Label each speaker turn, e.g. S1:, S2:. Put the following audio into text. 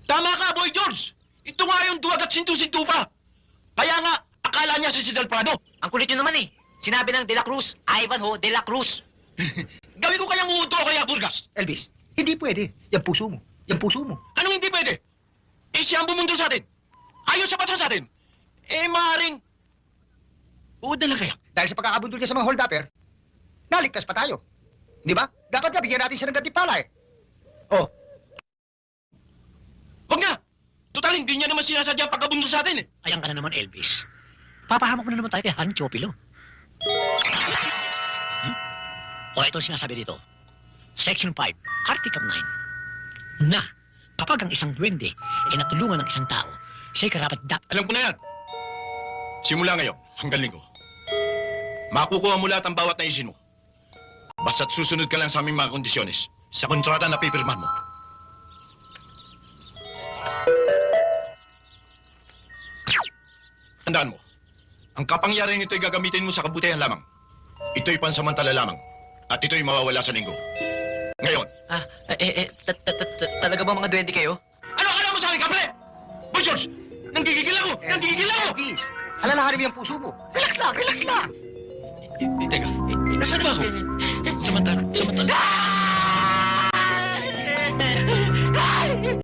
S1: Tama ka, Boy George! Ito nga yung duwag at sintu-sintu pa. Kaya nga, akala niya si Del Prado.
S2: Ang kulit nyo naman eh. Sinabi ng De La Cruz, Ivanhoe De La Cruz.
S1: Gawin ko kayang uuto kaya, Burgas.
S3: Elvis, hindi pwede. Yan puso mo. Yan puso mo.
S1: Anong hindi pwede? Eh, siya ang bumundo sa atin. Ayos sa bansa sa atin. Eh, maaaring... Uod na lang kaya.
S3: Dahil sa pagkakabundol niya sa mga hold-upper, naligtas pa tayo. Di ba? Dapat nga bigyan natin siya ng gantimpala eh. Oh,
S1: Huwag na! Total, hindi niya naman sinasadya pagkabundol sa atin eh.
S4: Ayan ka na naman, Elvis. Papahamak mo na naman tayo kay Han Chopilo. O, ito ang sinasabi dito. Section 5, Article 9. Na, kapag ang isang duwende ay natulungan ng isang tao, siya'y karapat
S1: Alam ko na yan. Simula ngayon, hanggang linggo. Makukuha mo lahat ang bawat naisin mo. Basta't susunod ka lang sa aming mga kondisyones. Sa kontrata na pipirmahan mo. Tandaan mo, ang kapangyarihan nito'y gagamitin mo sa kabutihan lamang. Ito'y pansamantala lamang. At ito'y mawawala sa linggo. Ngayon.
S2: Talaga ba mga duwende kayo?
S1: Ano akala mo sa akin, kapre? Boy George, nanggigigil ako! Nanggigigil ako!
S3: Elvis, alalahanin mo yung puso mo. Relax lang, relax lang.
S1: Teka, nasaan ba ako? Samantala.